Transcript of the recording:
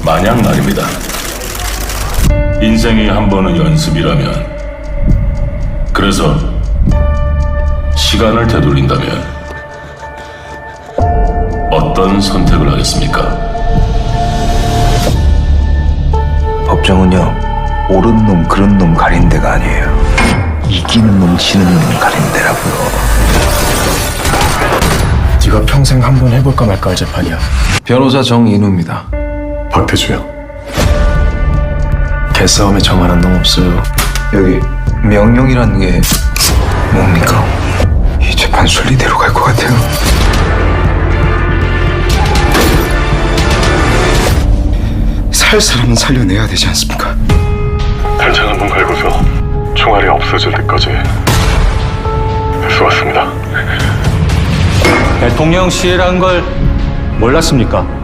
만약 말입니다. 인생이 한 번은 연습이라면, 그래서 시간을 되돌린다면 어떤 선택을 하겠습니까? 법정은요, 옳은 놈 그런 놈 가린 데가 아니에요. 이기는 놈 지는 놈 가린 데라고요. 네가 평생 한 번 해볼까 말까 할 재판이야. 변호사 정인우입니다. 박태주야. 개싸움에 정하는 놈 없어요. 여기 명령이라는 게 뭡니까? 이 재판 순리대로 갈 것 같아요. 살 사람은 살려내야 되지 않습니까? 단창 한 번 갈고서 총알이 없어질 때까지 수고하셨습니다. 대통령 시해란 걸 몰랐습니까?